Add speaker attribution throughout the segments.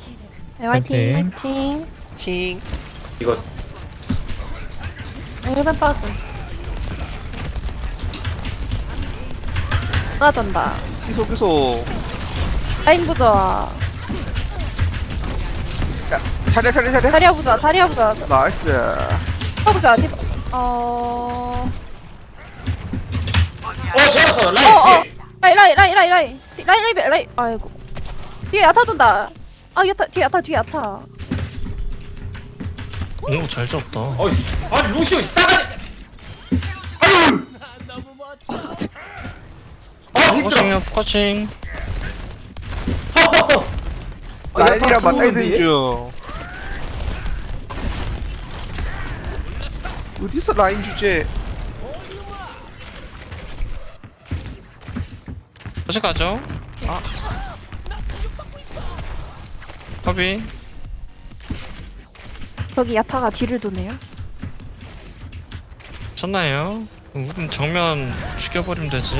Speaker 1: 네, 화이팅.
Speaker 2: 화이팅.
Speaker 1: 화이팅.
Speaker 3: 팅.
Speaker 4: 이거
Speaker 1: 1번 빠짐. 하나 잔다.
Speaker 3: 계속.
Speaker 1: 라인 부자.
Speaker 3: 야, 차례.
Speaker 1: 자리야 부자. 자리야 부자.
Speaker 3: 나이스.
Speaker 1: 부자.
Speaker 4: 좋았어 라인 뒤에
Speaker 1: 라인. 아이고. 뒤에 야타 돈다. 아, 야타, 뒤에 야타.
Speaker 2: 오, 잘 잡다.
Speaker 4: 어이 아니 루시오 싸가지 아유 힘들어
Speaker 2: 포커싱.
Speaker 3: 라인이랑 맞다이든 중. 어디서 라인 주제?
Speaker 2: 다시 가죠. 허비.
Speaker 1: 저기 야타가 뒤를 도네요.
Speaker 2: 쳤나요? 우린 정면 죽여버리면 되지.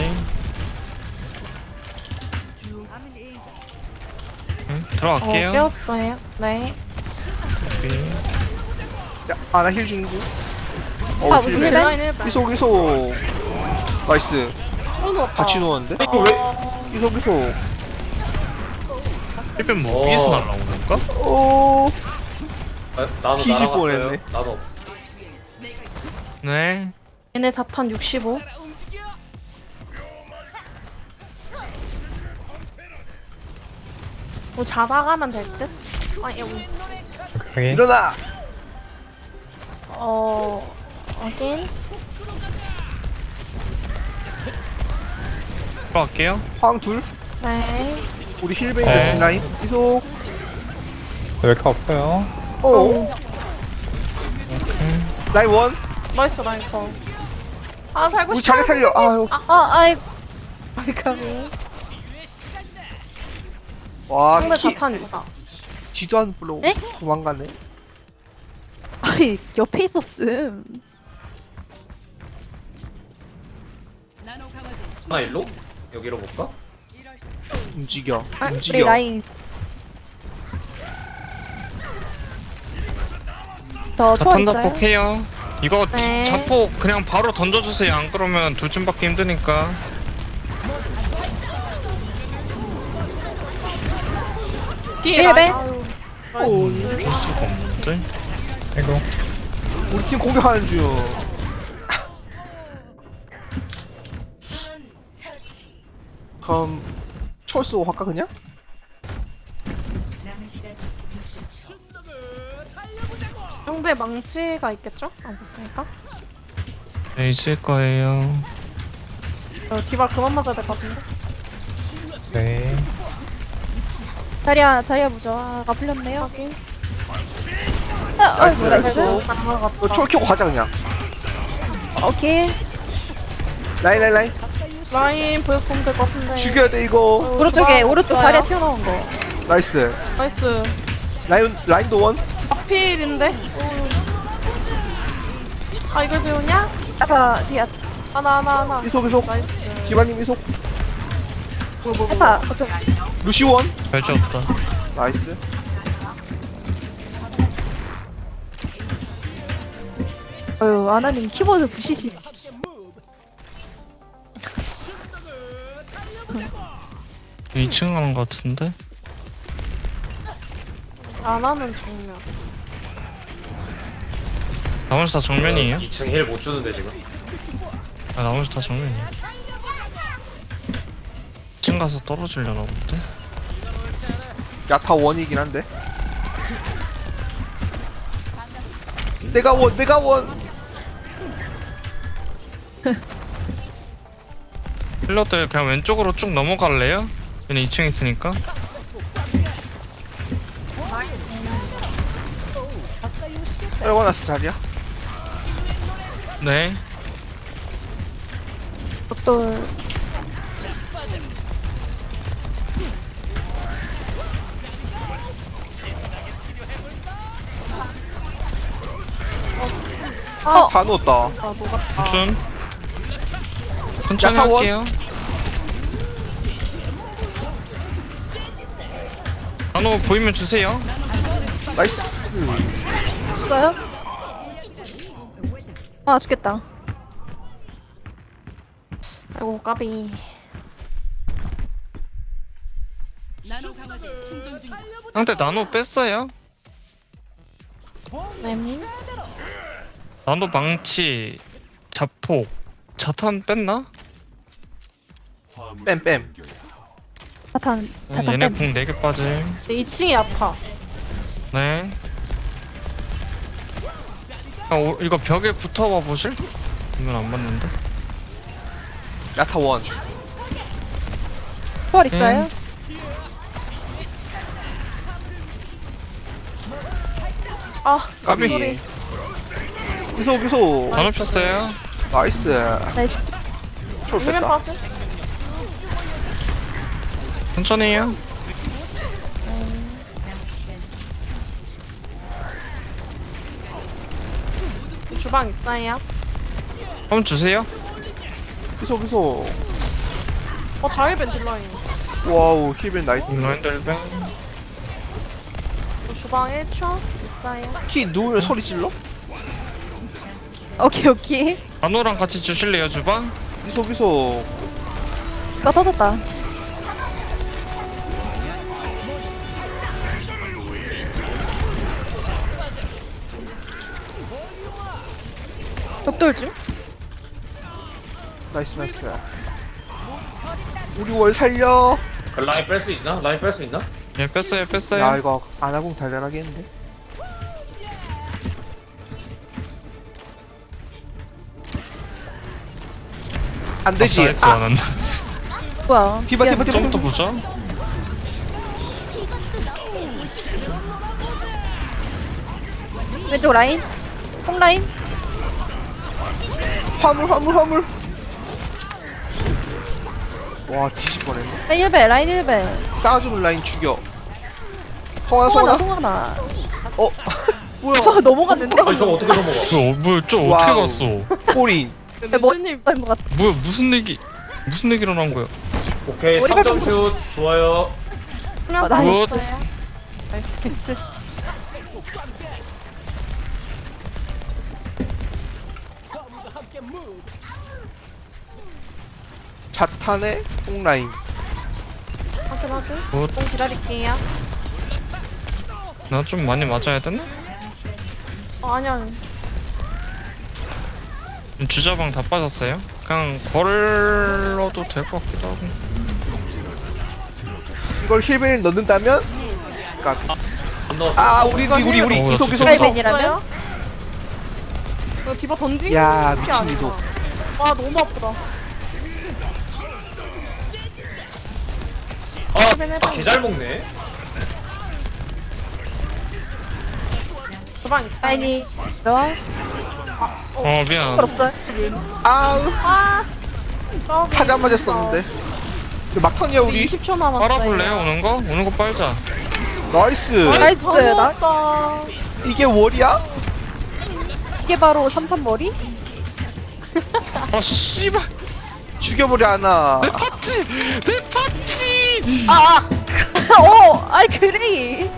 Speaker 2: 응? 들어갈게요.
Speaker 1: 깨웠어요. 네.
Speaker 2: 허비.
Speaker 3: 야, 나 힐 주는 중.
Speaker 1: 아,
Speaker 3: 힐
Speaker 1: 무슨
Speaker 3: 벤.
Speaker 1: 라인
Speaker 3: 계속. 나이스. 같이 누웠는데?
Speaker 4: 이거 왜
Speaker 3: 계속.
Speaker 2: 1벤 뭐 위에서 날라오는 건가?
Speaker 3: 오.
Speaker 4: 나도
Speaker 3: 뒤질
Speaker 4: 날아갔어요
Speaker 3: 뻔했네.
Speaker 4: 나도 없어
Speaker 2: 네.
Speaker 1: 얘네 자탄 65. 뭐 잡아가면 될 듯? 아, 여기.
Speaker 2: 오케이.
Speaker 3: 일어나.
Speaker 1: 하긴.
Speaker 2: 들어갈게요.
Speaker 3: 황 둘.
Speaker 1: 네.
Speaker 3: 우리 힐벤인데
Speaker 2: 네.
Speaker 3: 라인. 계속.
Speaker 5: 웰카 없어요.
Speaker 3: 오. 라인 원.
Speaker 1: 멋있어, 라인 거. 아, 살고
Speaker 3: 우리
Speaker 1: 싶어.
Speaker 3: 자리 살려. 아유.
Speaker 1: 아이고. 아이카비.
Speaker 3: 와,
Speaker 1: 상대
Speaker 3: 키
Speaker 1: 자탄 있다.
Speaker 3: 뒤도 안 불러.
Speaker 1: 에?
Speaker 3: 도망가네.
Speaker 1: 아이, 옆에 있었음.
Speaker 4: 하나 일로? 여기로 볼까?
Speaker 3: 움직여.
Speaker 1: 아, 우리
Speaker 3: 움직여.
Speaker 1: 라인. 저 초월
Speaker 2: 자탄
Speaker 1: 있어요?
Speaker 2: 덕폭해요. 이거
Speaker 1: 네.
Speaker 2: 자폭 그냥 바로 던져주세요. 안 그러면 돌진 받기 힘드니까.
Speaker 1: 뒤에 라인.
Speaker 3: 오.
Speaker 2: 줄 수가 없는데.
Speaker 5: 아이고.
Speaker 3: 우리 팀 공격하는 중. 그럼 철 쏘고 할까 그냥?
Speaker 1: 상대 망치가 있겠죠? 안 썼으니까.
Speaker 2: 네, 있을 거예요.
Speaker 1: 디바 그만 맞아야 될 것 같은데.
Speaker 5: 네.
Speaker 1: 자리야 부자가 풀렸네요. 확인. 아이고, 나이스.
Speaker 3: 철 켜고 가자 그냥.
Speaker 1: 오케이.
Speaker 3: 라인.
Speaker 1: 라인 보여보면 될 것 같은데.
Speaker 3: 죽여야 돼 이거.
Speaker 1: 오른쪽에, 오른쪽 자리에 튀어나온 거.
Speaker 3: 나이스.
Speaker 1: 나이스.
Speaker 3: 라인도 원.
Speaker 1: 필인데? 아, 이걸 세우냐? 야타, 뒤에 하나.
Speaker 3: 계속.
Speaker 1: 나이스.
Speaker 3: 기반님 이속.
Speaker 1: 야타, 어쩜.
Speaker 3: 루시 원.
Speaker 2: 잘 잡았다.
Speaker 3: 나이스.
Speaker 1: 어휴, 아나님 키보드 부시시.
Speaker 2: 2층 가는 것 같은데?
Speaker 1: 아나는 정면.
Speaker 2: 나머지 다 정면이에요?
Speaker 4: 2층 힐 못 주는데 지금
Speaker 2: 아, 나머지 다 정면이에요. 2층 가서 떨어지려나 본데?
Speaker 3: 야타 원이긴 한데. 내가 원.
Speaker 2: 힐러들 그냥 왼쪽으로 쭉 넘어갈래요? 얘네 2층 있으니까.
Speaker 3: 떨궈놨어 자리야.
Speaker 2: 네.
Speaker 1: 또
Speaker 3: 다 넣었다.
Speaker 1: 아, 녹았다.
Speaker 2: 춘. 천천히
Speaker 3: 야타원.
Speaker 2: 할게요. 나노 보이면 주세요.
Speaker 3: 나이스.
Speaker 1: 있어요? 아 죽겠다. 아이고 까비.
Speaker 2: 상대 나노 뺐어요.
Speaker 1: 네.
Speaker 2: 나노 망치, 자폭, 자탄 뺐나?
Speaker 3: 뺨뺨.
Speaker 1: 자탄
Speaker 2: 얘네
Speaker 1: 뺀.
Speaker 2: 궁 4개 빠짐.
Speaker 1: 2층이 아파.
Speaker 2: 네. 이거 벽에 붙어봐 보실? 이건 안 맞는데.
Speaker 3: 야타 원.
Speaker 1: 부활 있어요? 아
Speaker 3: 까비.
Speaker 1: 소리.
Speaker 3: 기소.
Speaker 2: 다 높였어요.
Speaker 3: 나이스.
Speaker 1: 나이스.
Speaker 3: 쫄
Speaker 1: 이면
Speaker 3: 뺐다.
Speaker 1: 빠져.
Speaker 2: 천천히 해요.
Speaker 1: 주방 있어요?
Speaker 2: 한번 주세요.
Speaker 3: 기소.
Speaker 1: 자일벤 딜라인.
Speaker 3: 와우 힐벤 나이스.
Speaker 2: 라인들뱅.
Speaker 1: 주방 1초 있어요?
Speaker 3: 키 누우면 소리 질러?
Speaker 1: 오케이.
Speaker 2: 나노랑 같이 주실래요 주방?
Speaker 3: 기소.
Speaker 1: 나 터졌다. 벽돌 중?
Speaker 3: 나이스. 우리 월 살려.
Speaker 4: 그 라인 뺄 수 있나? 라인 뺄 수 있나?
Speaker 2: 예 뺐어요.
Speaker 3: 야 이거 아나공 달달하겠는데? 안 되지.
Speaker 2: 나이스 안 한다.
Speaker 1: 뭐야?
Speaker 3: 디바.
Speaker 2: 좀더 보자.
Speaker 1: 왼쪽 라인? 콩 라인?
Speaker 3: 화물. 와 뒤질 뻔했네.
Speaker 1: 라인 1배.
Speaker 3: 쌓아주는 라인 죽여. 성환아.
Speaker 1: 송하나.
Speaker 3: 어?
Speaker 1: 뭐야? 저 넘어갔는데?
Speaker 4: 아니 저거 어떻게 넘어가?
Speaker 2: 뭐야 저 어떻게
Speaker 3: 와우.
Speaker 2: 갔어?
Speaker 3: 꼬린.
Speaker 1: 머리님 것 같아.
Speaker 2: 뭐야 무슨 얘기 일어난 거야?
Speaker 4: 오케이
Speaker 1: 머리
Speaker 4: 3점 슛 좋아요.
Speaker 2: 굿.
Speaker 1: 나이스.
Speaker 3: 자탄의 뽕라인.
Speaker 1: 확인.
Speaker 2: 굿.
Speaker 1: 좀 기다릴게요.
Speaker 2: 나 좀 많이 맞아야 되나?
Speaker 1: 아니야.
Speaker 2: 주자방 다 빠졌어요. 그냥 걸러도 될 것 같기도 하고.
Speaker 3: 이걸 힐벤을 넣는다면? 까비.
Speaker 4: 안 넣었어.
Speaker 3: 아 우리
Speaker 2: 어,
Speaker 3: 이속.
Speaker 2: 진짜.
Speaker 1: 라이벤이라면? 이거 디바 던지?
Speaker 3: 야 미친 이속.
Speaker 1: 와 너무 아프다.
Speaker 4: 개잘 먹네.
Speaker 1: 주방 있어. 라인이 들어와.
Speaker 2: 미안.
Speaker 1: 없어요?
Speaker 3: 아우
Speaker 1: 아.
Speaker 3: 차지 안 맞았었는데. 막턴이야 우리.
Speaker 1: 20초 남았어요.
Speaker 2: 빨아볼래요 오는 거? 오는 거 빨자.
Speaker 3: 나이스.
Speaker 1: 나이스. 나
Speaker 3: 이게 월이야?
Speaker 1: 이게 바로 33머리?
Speaker 2: 아 씨발.
Speaker 3: 죽여버려 하나.
Speaker 2: 내 파티.
Speaker 1: 아이 그래.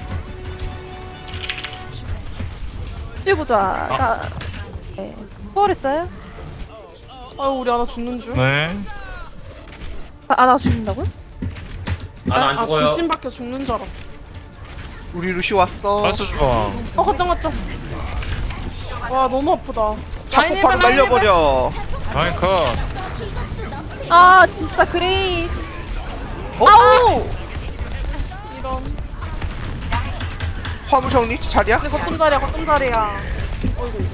Speaker 1: 보자. 네. 포괄했어요? 아유 우리 하나 죽는 줄.
Speaker 2: 네.
Speaker 1: 하나 죽는다고요?
Speaker 4: 안 죽어요.
Speaker 1: 찐밖에 죽는 줄 알았어.
Speaker 3: 우리 루시 왔어.
Speaker 2: 빨수 주방.
Speaker 1: 걷다. 와 너무 아프다.
Speaker 3: 차폭파로 날려버려.
Speaker 2: 라인 컷.
Speaker 1: 아 진짜 그래. 아우. 이런.
Speaker 3: 화물 정리 자리야?
Speaker 1: 근데 거점 자리야. 어이구.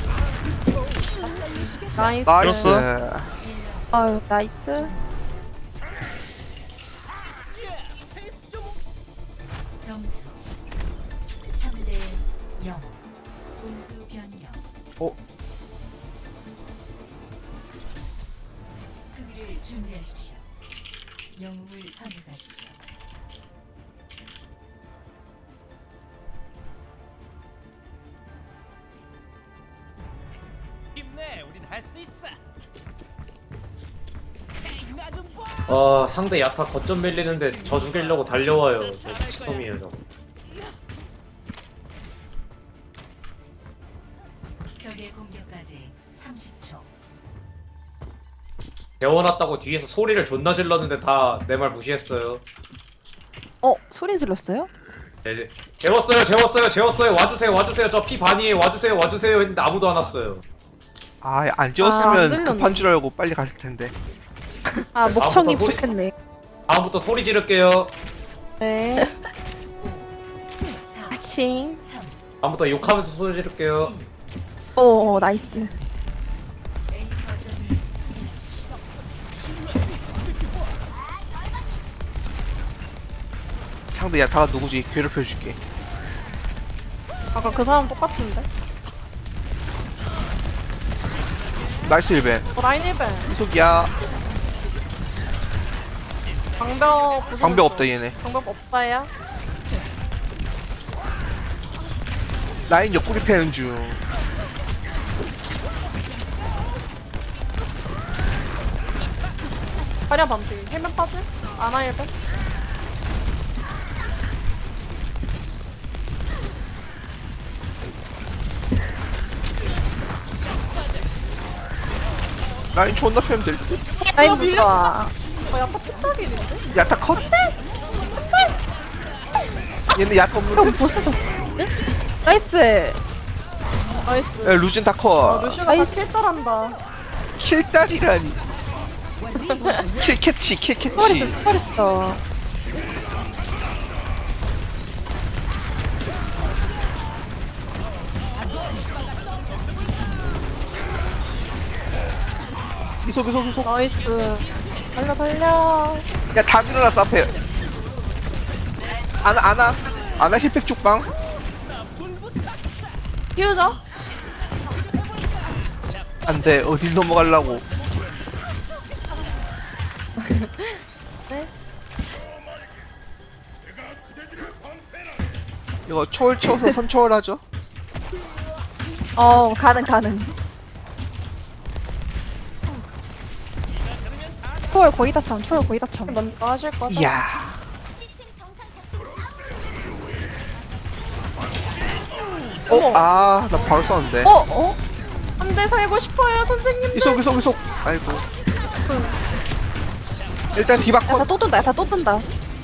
Speaker 1: 나이스.
Speaker 3: 나이스.
Speaker 1: 아유 나이스.
Speaker 6: 점수 3대 0 공수 변경
Speaker 3: 어?
Speaker 6: 수비를 준비하십시오. 영웅을 선택하십시오.
Speaker 7: 힘내, 우린 할 수 있어.
Speaker 4: 상대 야타 거점 밀리는데 저 죽이려고 달려와요. 저 미친놈이에요 저거.
Speaker 6: 적의 공격까지 30초.
Speaker 4: 재워놨다고 뒤에서 소리를 존나 질렀는데 다 내 말 무시했어요.
Speaker 1: 소리 질렀어요?
Speaker 4: 네, 재웠어요. 와주세요. 저 피 반이에요. 와주세요 했는데 아무도 안 왔어요.
Speaker 3: 안
Speaker 1: 안
Speaker 3: 지웠으면
Speaker 1: 들렸네.
Speaker 3: 급한 줄 알고 빨리 갔을 텐데.
Speaker 1: 목청이
Speaker 4: 다음부터 소리-
Speaker 1: 부족했네.
Speaker 4: 다음부터 소리 지를게요.
Speaker 1: 네.
Speaker 6: 4,
Speaker 1: 아칭.
Speaker 6: 3,
Speaker 4: 다음부터 욕하면서 소리 지를게요.
Speaker 1: 오, 나이스.
Speaker 6: A 거점을 수비하십시오.
Speaker 3: 상대 야타가 누구지? 괴롭혀줄게.
Speaker 1: 아까 그 사람 똑같은데?
Speaker 3: 나이스 1벤.
Speaker 1: 라인 1벤.
Speaker 3: 이속이야. 방벽 없다 얘네.
Speaker 1: 방법 없어요?
Speaker 3: 라인 옆구리 패는 중.
Speaker 1: 화려 반피. 헬멧 빠지? 아나 1벤?
Speaker 3: 라인 존나 패면 될 듯.
Speaker 1: 라인 부좋아. 약간 픽탑이는데?
Speaker 3: 야타 컷. 얘네 야타
Speaker 1: 형
Speaker 3: 없는데?
Speaker 1: 보스 졌어. 나이스. 나이스.
Speaker 3: 야, 루진 다 컷.
Speaker 1: 루시가 다 킬තර한다.
Speaker 3: 킬딸이라니. 킬캐치.
Speaker 1: 스파랬어.
Speaker 3: 이속.
Speaker 1: 나이스. 달려.
Speaker 3: 야, 다 일어났어, 앞에. 아나 힐팩 쪽방.
Speaker 1: 키우자.
Speaker 3: 안 돼, 어딜 넘어가려고.
Speaker 1: 네.
Speaker 3: 이거 초월 쳐서 선초월 하죠?
Speaker 1: 가능. 초월 거의 다 참. 먼저 하실 거죠?
Speaker 3: 이야. 나 바로 썼는데.
Speaker 1: 한 대 살고 싶어요, 선생님.
Speaker 3: 이속. 아이고. 일단 디바 컷.
Speaker 1: 야다 또 뜬다.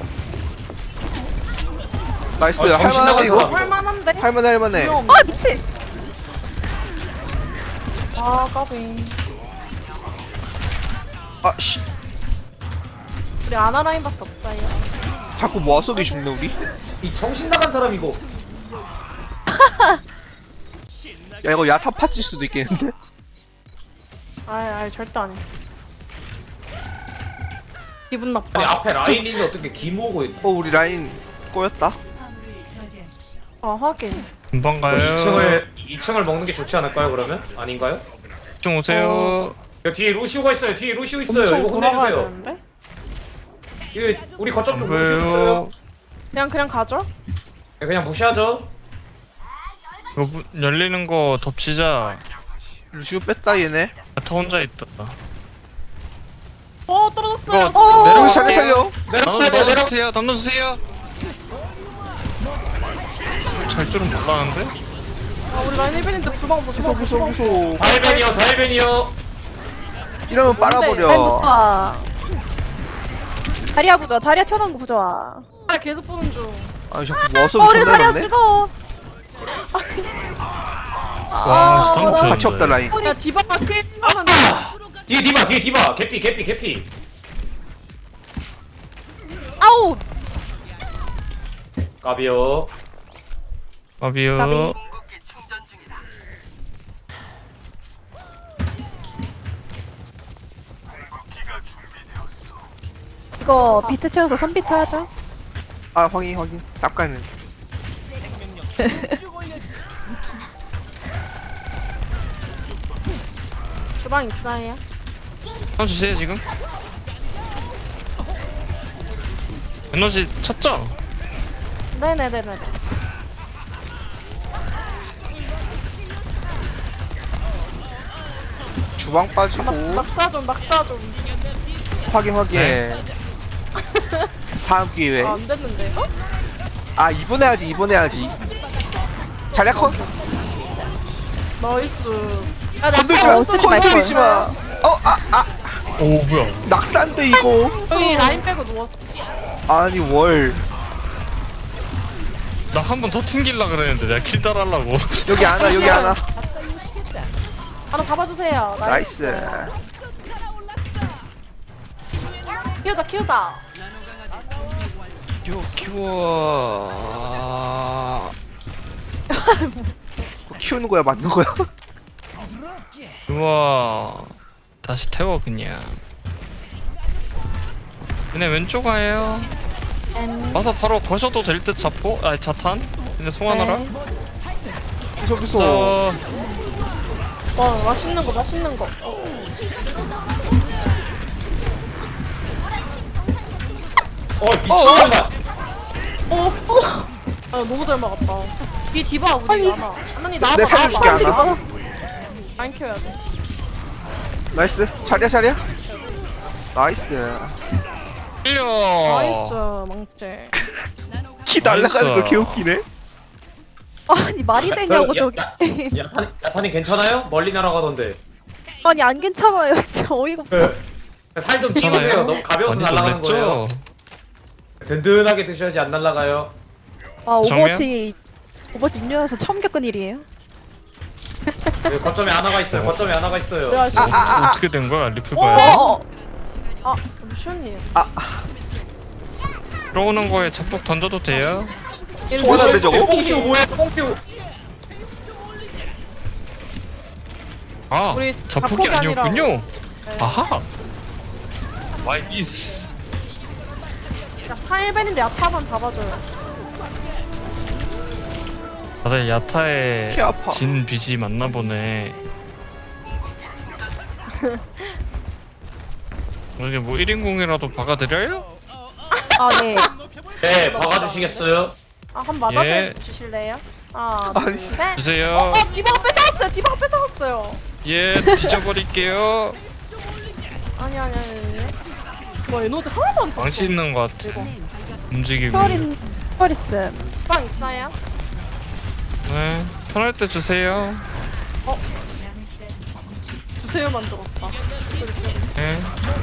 Speaker 3: 나이스.
Speaker 4: 정신
Speaker 3: 할만하네,
Speaker 4: 나간
Speaker 3: 이거.
Speaker 4: 사람.
Speaker 1: 할만한데?
Speaker 3: 할만해.
Speaker 1: 미친. 까비.
Speaker 3: 씨.
Speaker 1: 우리 아나 라인밖에 없어요.
Speaker 3: 자꾸 모아속이 죽네, 우리.
Speaker 4: 이 정신 나간 사람 이거.
Speaker 3: 야, 이거 야타 파칠 수도 있겠는데?
Speaker 1: 절대 아니. 기분 나빠.
Speaker 4: 아니 앞에 라인인데 어떻게 기모으고 있...
Speaker 3: 우리 라인 꼬였다.
Speaker 6: 화물을 저지하십시오.
Speaker 1: 하긴.
Speaker 2: 금방 가요.
Speaker 4: 2층을 먹는 게 좋지 않을까요 그러면? 아닌가요?
Speaker 2: 좀 오세요.
Speaker 4: 야, 뒤에 루시오가 있어요. 이거
Speaker 1: 엄청 돌아가야
Speaker 4: 혼내주세요.
Speaker 1: 되는데?
Speaker 4: 이거 우리 거점
Speaker 2: 안
Speaker 4: 좀 루시오 있어요.
Speaker 2: 보여요.
Speaker 1: 그냥 가죠?
Speaker 4: 그냥 무시하죠.
Speaker 2: 이거 열리는 거 덮치자.
Speaker 3: 루시우 뺐다, 얘네.
Speaker 2: 야타 혼자 있다.
Speaker 1: 떨어졌어요.
Speaker 2: 이거
Speaker 3: 내려가, 살려.
Speaker 2: 넣어주세요. 던져주세요. 잘 줄은 몰랐는데?
Speaker 1: 우리 라인 1벤인데 불방
Speaker 3: 무서워.
Speaker 4: 다이벤이요.
Speaker 3: 이러면 빨아버려.
Speaker 1: 자리야 부자. 자리야 튀어나온 거 부자. 자리야 계속 보는 중.
Speaker 3: 자꾸 모아속이
Speaker 1: 우리
Speaker 3: 존나
Speaker 1: 자리야
Speaker 3: 많네.
Speaker 1: 죽어.
Speaker 2: 와, 스턴
Speaker 3: 같이 없다, 라인.
Speaker 1: 야 디바가 킬하면
Speaker 4: 뒤에 디바. 개피.
Speaker 1: 아우.
Speaker 4: 까비요.
Speaker 2: 아비요.
Speaker 1: 까비. 이거 비트 채워서 3비트 하죠.
Speaker 3: 확인. 쌉 가는.
Speaker 1: 주방 있어요.
Speaker 2: 던져주세요 지금. 에너지 쳤죠?
Speaker 1: 네네네네.
Speaker 3: 주방 빠지고.
Speaker 1: 막사 좀.
Speaker 3: 확인 확인.
Speaker 2: 네.
Speaker 3: 다음 기회.
Speaker 1: 아, 안 됐는데. 어?
Speaker 3: 아 이번 해야지 이번 해야지. 자리야 컷.
Speaker 1: 나이스. 야, 나
Speaker 3: 건들지 마.
Speaker 1: 쓰지 말걸.
Speaker 3: 건들지 마.
Speaker 2: 오 뭐야?
Speaker 3: 낙산데 이거.
Speaker 1: 여기 라인 빼고 누웠어.
Speaker 3: 아니 월.
Speaker 2: 나 한 번 더 튕길라 그랬는데 내가 킬 따라하려고.
Speaker 3: 여기 하나 여기 하나.
Speaker 1: 하나 잡아주세요.
Speaker 3: 나이스.
Speaker 1: 키우다 키우다.
Speaker 2: 키워.
Speaker 3: 그거 키우는 거야 맞는 거야?
Speaker 2: 우와. 다시 태워 그냥. 그냥 왼쪽 가요. 와서 바로 거셔도 될 듯 자포? 아니 자탄? 근데 송하나라?
Speaker 3: 계속해서.
Speaker 2: 저
Speaker 1: 와 맛있는 거 맛있는 거.
Speaker 4: 미친놈아.
Speaker 1: 아 너무 잘 막았다. 뒤 디바 우리
Speaker 3: 아니.
Speaker 1: 많아. 하나님 나와봐.
Speaker 3: 내가 살려줄게,
Speaker 1: 나와봐.
Speaker 3: 하나.
Speaker 1: 라인 키워야 돼.
Speaker 3: 나이스. 자리야 자리야. 나이스.
Speaker 2: 끌려.
Speaker 1: 나이스 망치.
Speaker 3: 키 날라가는 거
Speaker 2: 나이스.
Speaker 3: 개웃기네.
Speaker 1: 아니 말이 되냐고
Speaker 4: 야,
Speaker 1: 저게.
Speaker 4: 야탄이 괜찮아요? 멀리 날아가던데.
Speaker 1: 아니 안 괜찮아요. 진짜 어이가 없어.
Speaker 4: 살 좀 찌우세요. 너무 가벼워서
Speaker 2: 많이
Speaker 4: 날아가는 거예요.
Speaker 2: 놀랬죠?
Speaker 4: 든든하게 드셔야지 안 날아가요.
Speaker 1: 아
Speaker 2: 정면?
Speaker 1: 오버워치 6년에서 처음 겪은 일이에요.
Speaker 4: 여기 거점에 하나가 있어요. 거점에 하나가 있어요.
Speaker 1: 내가 지금
Speaker 2: 어떻게 된 거야 리플바야?
Speaker 1: 아 잠시만요.
Speaker 2: 들어오는 거에 잡폭 던져도 돼요?
Speaker 3: 통화난데 저거?
Speaker 4: 뽕치우 뭐야? 뽕치우.
Speaker 2: 아
Speaker 1: 우리
Speaker 2: 잡폭이
Speaker 1: 잡폭이
Speaker 2: 아니었군요.
Speaker 1: 네.
Speaker 2: 아하. 와이스.
Speaker 1: 야 타일벤인데 야타만 잡아줘요.
Speaker 2: 다들 야타의
Speaker 3: 키 아파.
Speaker 2: 진 빚이 맞나 보네. 여기 뭐 1인공이라도 박아드려요?
Speaker 1: 아 네.
Speaker 4: 네, 박아주시겠어요?
Speaker 1: 아한 맞아
Speaker 2: 예.
Speaker 1: 주실래요? 하나
Speaker 3: 아니.
Speaker 1: 둘 셋.
Speaker 2: 주세요.
Speaker 1: 디바가 뺏어갔어요. 디바가 뺏어갔어요.
Speaker 2: 예, 뒤져버릴게요.
Speaker 1: 아니. 와 에너지 하나도 안 떴어.
Speaker 2: 망치 있는 것 같아.
Speaker 1: 이거.
Speaker 2: 움직이고.
Speaker 1: 펄리스. 빵 있어요?
Speaker 2: 네, 편할 때 주세요.
Speaker 1: 주세요 만들었다.
Speaker 2: 네.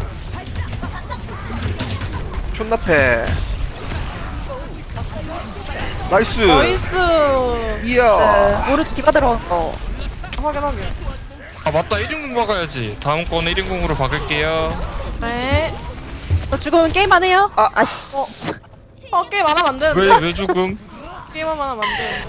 Speaker 3: 존나 패. 나이스.
Speaker 1: 나이스.
Speaker 3: 이야.
Speaker 1: 네, 오른쪽 디바 들어갔어. 확인.
Speaker 2: 아 맞다, 1인공 박아야지. 다음 거는 1인공으로 박을게요.
Speaker 1: 네. 너 죽으면 게임 안 해요?
Speaker 3: 아.
Speaker 1: 아씨. 게임 안 하면 안 되는데.
Speaker 2: 왜 죽음?
Speaker 1: 게임만 하면 안 돼.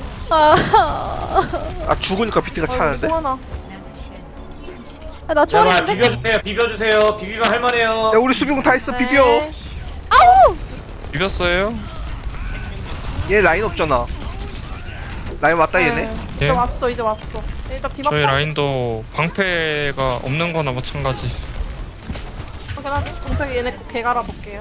Speaker 3: 아 죽으니까 비트가 차는데.
Speaker 1: 소환아.
Speaker 6: 남은 시간
Speaker 1: 나
Speaker 4: 제발
Speaker 1: 초월인데?
Speaker 4: 비벼주세요. 비비면 할만해요.
Speaker 3: 야 우리 수비공 다 했어 비벼.
Speaker 1: 네. 아우!
Speaker 2: 비볐어요?
Speaker 3: 얘 라인 없잖아. 라인 왔다 얘네.
Speaker 1: 네.
Speaker 2: 예.
Speaker 1: 이제 왔어. 일단 디바
Speaker 2: 저희 라인도 방패가 없는 거나 마찬가지.
Speaker 1: 확인하게. 공평히 얘네 개 갈아볼게요.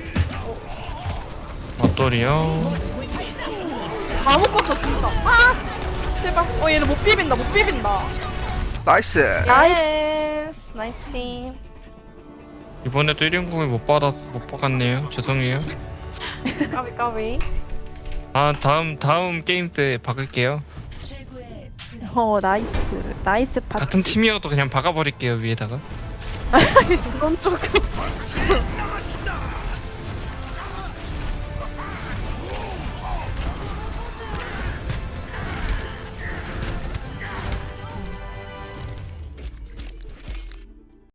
Speaker 2: 맞돌이요.
Speaker 1: 아무것도 진짜. 아! 제발. 얘는 못 비빈다.
Speaker 3: 나이스.
Speaker 1: 나이스 팀.
Speaker 2: 이번에도 1인공을 못 박았네요. 죄송해요.
Speaker 1: 까비.
Speaker 2: 아 다음 게임 때 박을게요.
Speaker 6: 최고의 플레이.
Speaker 1: 나이스 파티.
Speaker 2: 같은 팀이어도 그냥 박아버릴게요 위에다가.
Speaker 1: 이건 조금